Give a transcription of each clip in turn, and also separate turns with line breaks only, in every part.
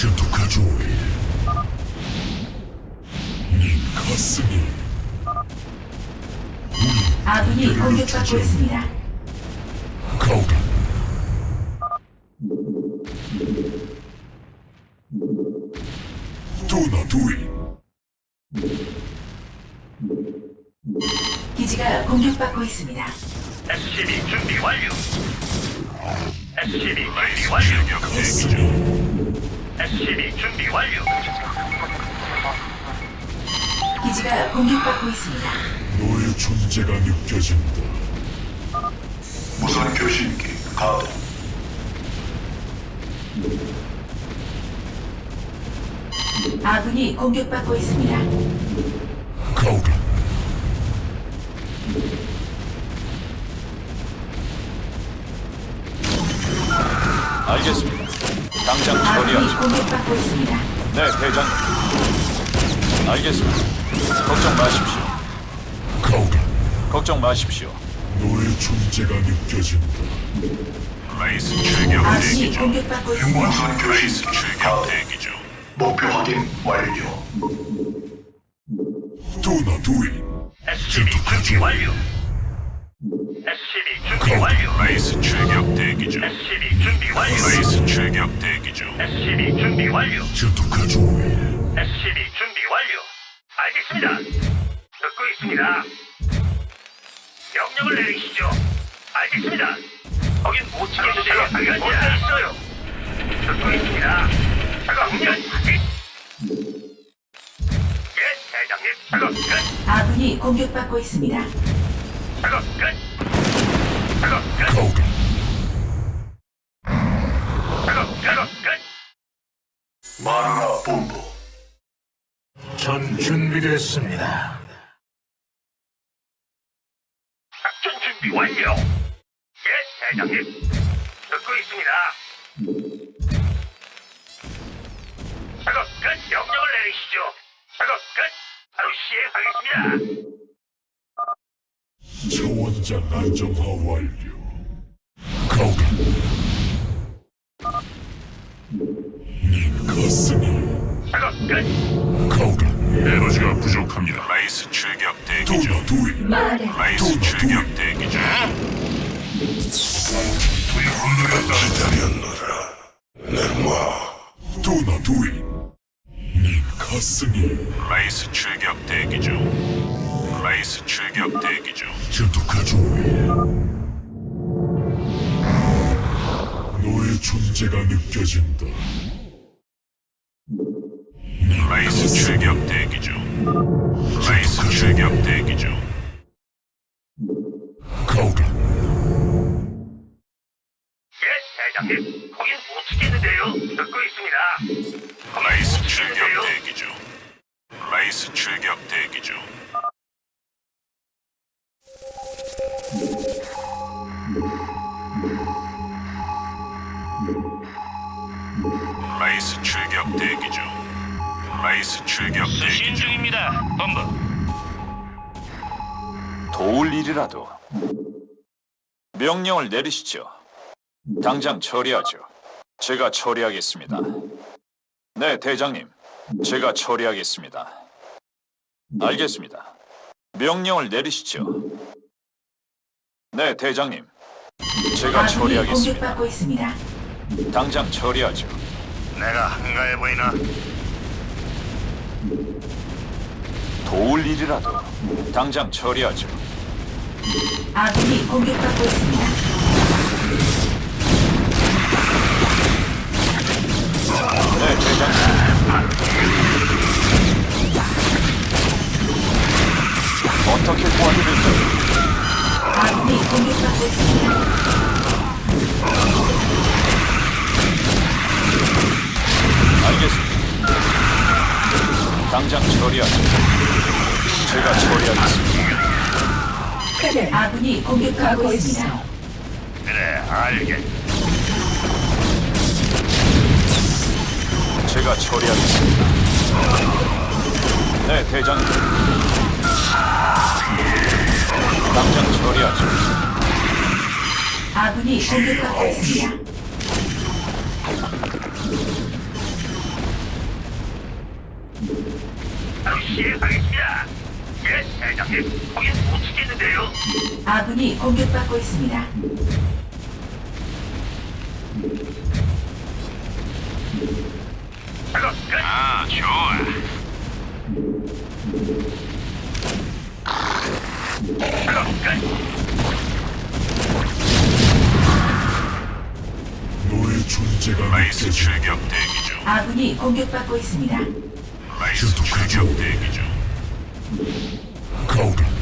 전투카죠. 네 가슴이
아군이 공격받고 있습니다.
가오라. 도나 두이.
기지가 공격받고 있습니다.
SCB 준비 완료. SCB 준비 완료.
가슴이
SCB 준비 완료.
기지가 공격받고 있습니다.
너의 존재가 느껴진다.
무선 교신기 가동.
아군이 공격받고 있습니다.
가오라.
알겠습니다. 당장
아군이
처리하죠.
공격받고 있습니다.
네, 대장님. 알겠습니다. 걱정 마십시오.
가오라.
걱정 마십시오.
너의 존재가 느껴진다.
라이스 출격
아군이 공격받고 있습니다.
무선 교신기 가동.
대기 중.
목표 확인 완료.
도나 두이.
SCB 준비 완료. SCB 준비 완료. 라이스 출격 대기 중. SCB 준비 완료. 라이스 출격 대기 중. SCB 준비 완료.
전투카죠.
SCB 준비 완료. 알겠습니다. 듣고 있습니다. 명령을 내리시죠. 알겠습니다. 거긴 못 치겠는데요. 어디 있어요? 듣고 있습니다. 작업 끝. 예, 대장님. 작업 끝.
아군이 공격받고 있습니다.
작업 끝. 작업 끝.
가오라.
작업 끝.
마누라 본부.
전 준비됐습니다.
작전 준비 완료. 예, 대장님. 듣고 있습니다. 작업 끝. 명령을 내리시죠. 작업 끝. 바로 시행하겠습니다.
차원장 안정화 완료. 가오라. 네 가슴이
작업 끝.
가오라.
에너지가 부족합니다. 라이스 출격 대기 중.
도나 두이.
라이스
도나
출격
두이.
대기 중.
기다렸노라. ներ마.
도나 두이. 네 가슴이
라이스 출격 대기 중. 라이스 출격 대기 중.
전투카죠. 너의 존재가 느껴진다.
라이스 출격 대기 중. 라이스 출격 대기 중.
가오라.
예, 대장님. 거긴 못 치겠는데요. 듣고 있습니다. 라이스 출격 대기 중. 라이스 출격 대기 중. 라이스 출격 대기 중. 라이스 출격 대기 중입니다. 본부.
도울 일이라도 명령을 내리시죠. 당장 처리하죠. 제가 처리하겠습니다. 네, 대장님. 제가 처리하겠습니다. 알겠습니다. 명령을 내리시죠. 네, 대장님. 제가
아군이
처리하겠습니다.
공격받고 있습니다.
당장 처리하죠.
내가 한가해 보이나?
도울 일이라도 당장 처리하죠.
아군이 공격받고 있습니다.
네, 대장님. 어떻게 도와드릴까요?
아군이 공격받고 있습니다.
알겠습니다. 당장 처리하죠. 제가 처리하겠습니다.
아군이 공격받고 있습니다.
그래, 알겠.
제가 처리하겠습니다. 네, 대장님. 당장 처리하죠.
아군이 공격받고 있습니다.
시행하겠습니다. 예, 대장님. 거긴 못 치겠는데요.
아군이 공격받고 있습니다.
작업 끝. 아, 좋아. 작업 끝.
너의 존재가
라이스
느껴진다.
출격 대기 중.
아군이 공격받고 있습니다.
라이스 출격 대기 중.
가오라.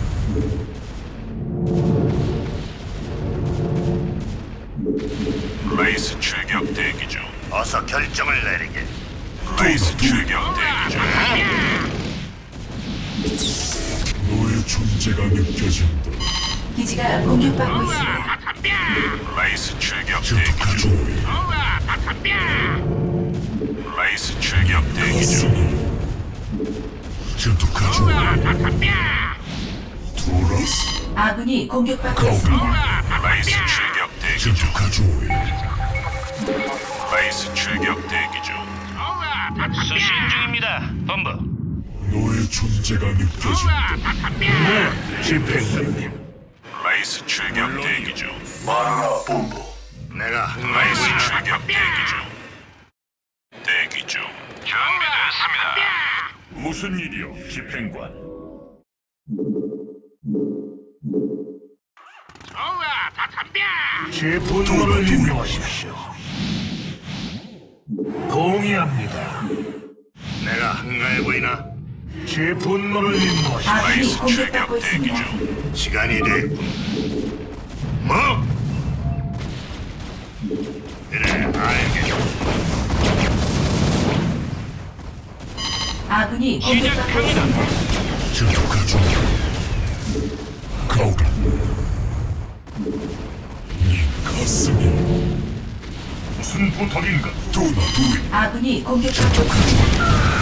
라이스 출격 대기 중. 어서 결정을 내리게. 라이스 출격 대기 중.
너의 존재가 느껴진다.
기지가 공격받고 있습니다.
라이스 출격 대기 중.
전투가죠.
라이스 출격 대기 중.
가슴이 전투가죠. 도라스.
아군이 공격받고
가오라.
있습니다.
라이스 출격 대기 중.
전투가죠.
라이스 출격 대기 중. 수신 중입니다, 본부.
너의 존재가 느껴진다.
네, 집행관님.
라이스 출격 대기 중.
마누라 본부.
내가 라이스 출격 대기 중. 대기 중. 준비됐습니다.
무슨 일이요, 집행관?
제 분노를 인도하십시오. 동의합니다.
내가 한가해 보이나?
제 분노를 인도하십시오.
아군이
라이스
공격받고
출격 대기
있습니다.
중. 시간이 됐군. 뭐? 그래, 알겠어.
아군이 공격받고 있습니다.
전투가죠. 가오라. 네 가슴이
무슨 부탁인가?
도나 두이.
아군이 공격받고 있습니다.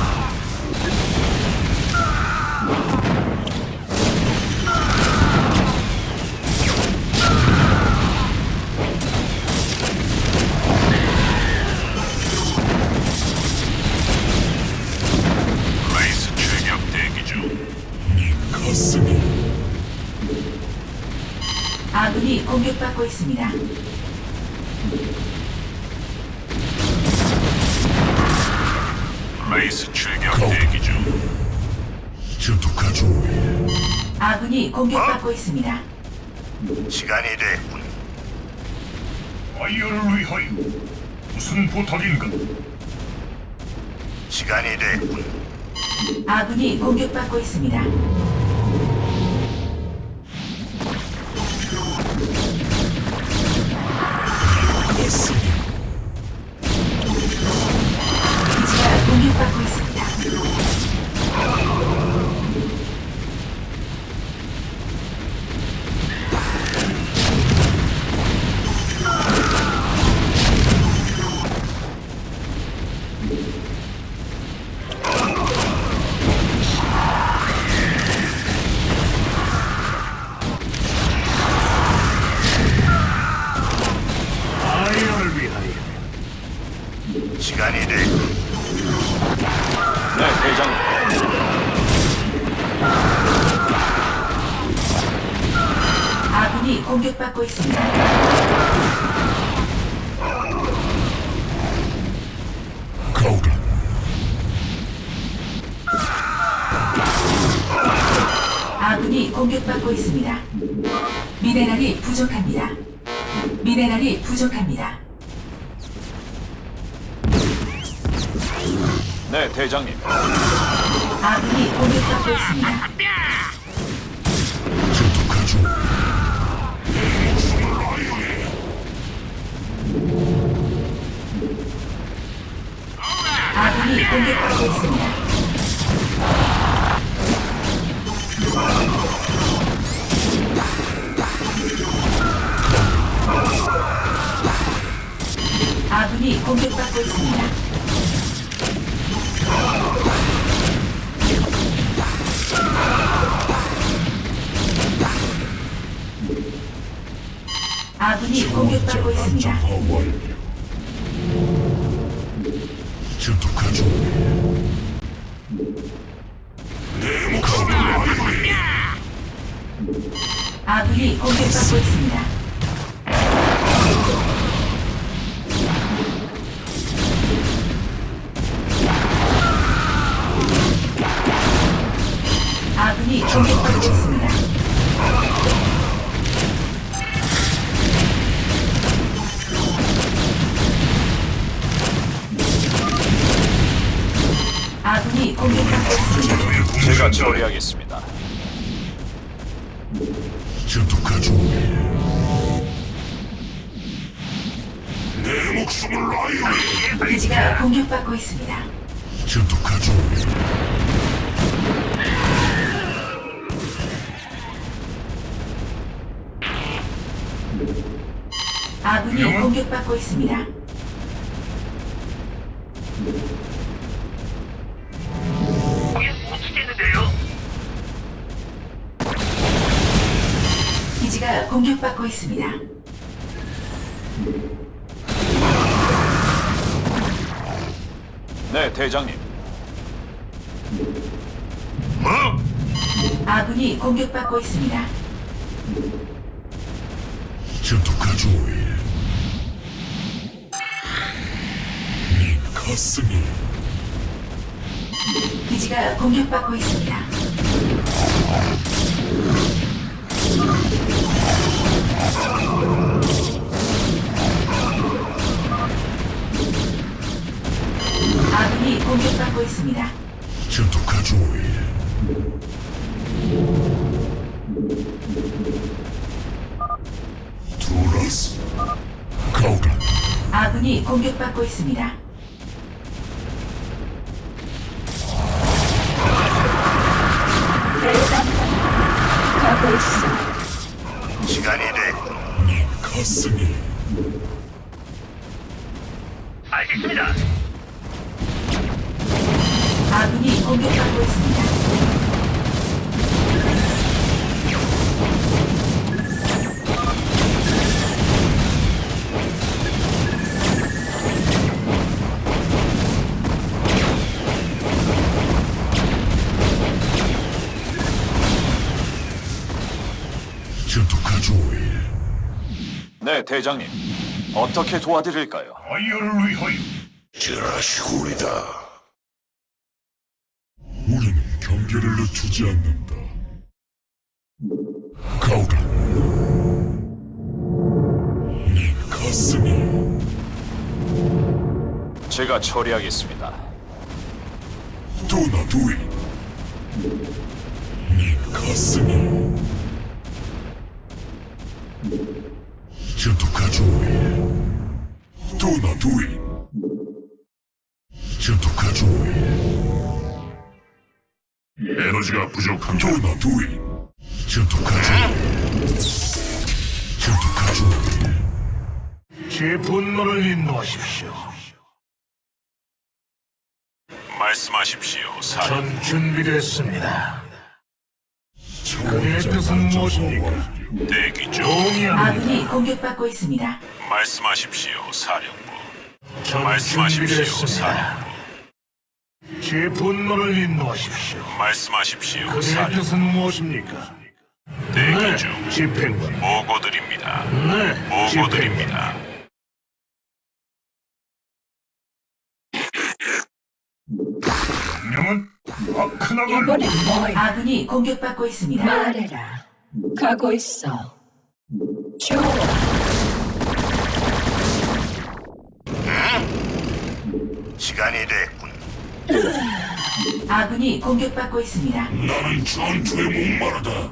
라이스 출격 대기 중.
네 가슴이
아군이 공격받고 있습니다.
라이스 출격 대기 중.
전투가죠.
아군이 공격받고 있습니다.
시간이 됐군. 아이어를 위하여 무슨 부탁인가? 시간이 됐군.
아군이 공격받고 있습니다.
가슴이
기지가 공격받고 있습니다.
아이어를 위하여.
시간이 됐군.
네, 대장님.
아군이 공격받고 있습니다.
가오라.
아군이 공격받고 있습니다. 미네랄이 부족합니다. 미네랄이 부족합니다.
네, 대장님.
아군이 공격받고 있습니다.
전투가죠.
아군이 공격받고 있습니다. 아군이 공격받고 있습니다. 아군이 공격받고 있습니다.
안정화 완료. 전투가죠.
아군이 공격받고 있습니다. 아군이 공격받고 있습니다. 아군이 공격받고 있습니다.
제가 처리하겠습니다.
전투가죠. 내 목숨을 아이오리.
기지가 공격받고 있습니다.
전투가죠.
아군이 공격받고 있습니다.
거긴 못 치겠는데요.
기지가 공격받고 있습니다.
네, 대장님.
뭐?
아군이 공격받고 있습니다.
전투가죠. 네 가슴이
기지가 공격받고 있습니다. 아군이 공격받고 있습니다.
전투가죠. 두라스 가오라.
아군이 공격받고 있습니다.
시간이 됐군.
네 가슴이
알겠습니다.
아군이 공격받고 있습니다.
전투가죠.
네, 대장님. 어떻게 도와드릴까요?
아이어를 위하여.
지라시구리다.
우리는 경계를 늦추지 않는다. 가오라. 네 가슴이
제가 처리하겠습니다.
도나두이. 네 가슴이 전투가죠. 도나두이. 전투가죠. 에너지가 부족한 도나두이. 전투가죠. 전투가죠.
제 분노를 인도하십시오.
말씀하십시오,
전 준비됐습니다. 그의 뜻은 무엇입니까?
대기 중.
동의합니다.
아군이 공격받고 있습니다.
말씀하십시오, 사령부.
전
말씀하십시오,
준비됐습니다.
사령부.
제 분노를 인도하십시오.
말씀하십시오,
그의
사령부.
뜻은 무엇입니까?
대기 중.
집행관.
보고드립니다.
네, 집행관.
보고드립니다.
명령은 아크나갈.
이번엔 뭐야?
아군이 공격받고 있습니다.
말해라. 가고 있어. 좋아.
시간이 됐군.
아군이 공격받고 있습니다.
나는 전투에 목마르다.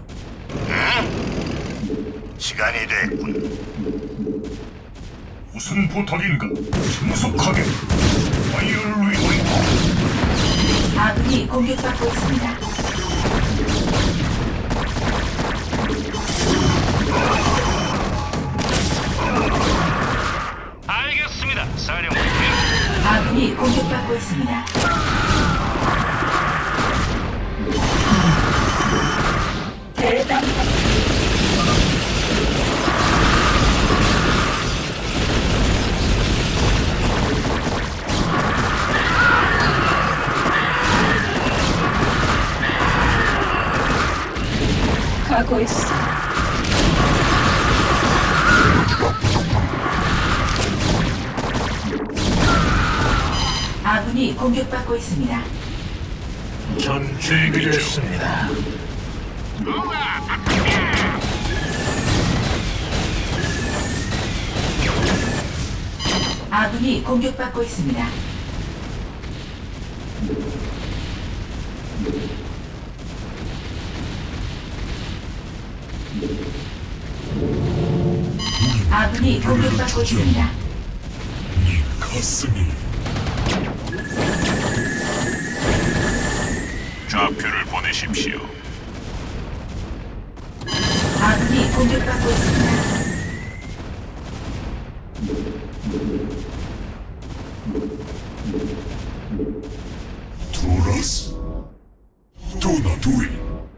시간이 됐군.
무슨 부탁인가? 신속하게. 아이어를 위하여.
아군이 공격받고 있습니다.
알겠습니다, 사령부.
아군이 공격받고 있습니다.
대단. 가고 있어.
아군이 공격받고 있습니다.
전 준비됐습니다.
아군이 공격받고 있습니다. 아군이 공격받고 있습니다.
네 가슴이
좌표를 보내십시오.
아군이 공격받고 있습니다.
투라스 도나 두인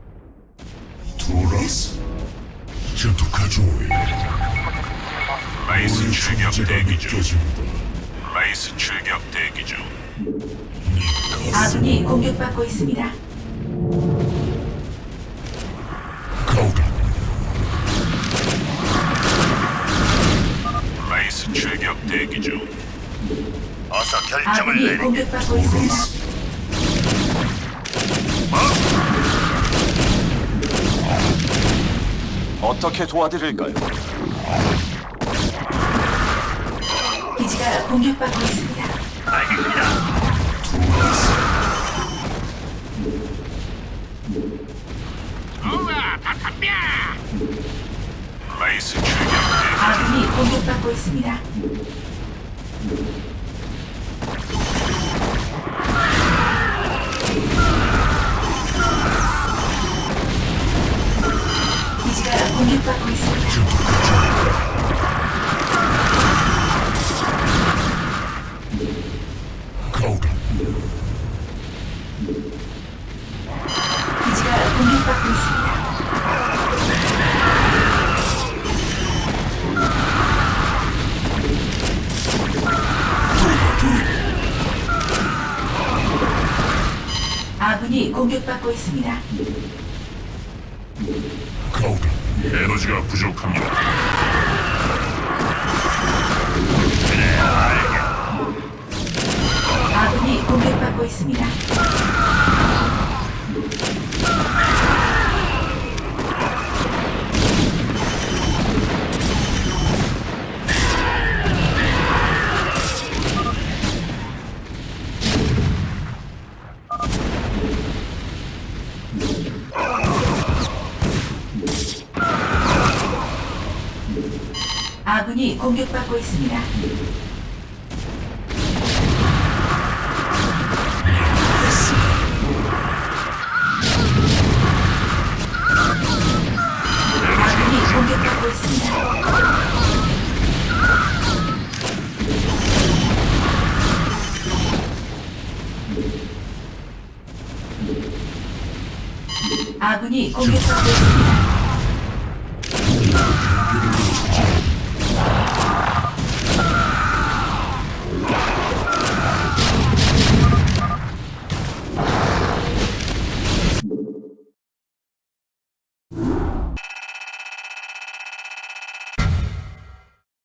투라스 전투가죠.
라이스
우리
출격
존재가
대기 중.
느껴진다.
라이스 출격 대기 중.
아군이 공격받고 있습니다.
가오라
라이스 출격 대기 중. 어서
아군이 공격받고 있습니다.
어떻게 도와드릴까요?
기지가 공격받고 있습니다.
라이스 출격 대기.
아군이 공격받고 있습니다. 기지가 공격받고 있습니다.
가오라
기지가 공격받고 있습니다. 아군이 공격받고 있습니다.
가오라
에너지가 부족합니다.
아군이 공격받고 있습니다. 아군이 공격받고 있습니다. 아군이 공격받고 있습니다. 아군이 공격받고 있습니다.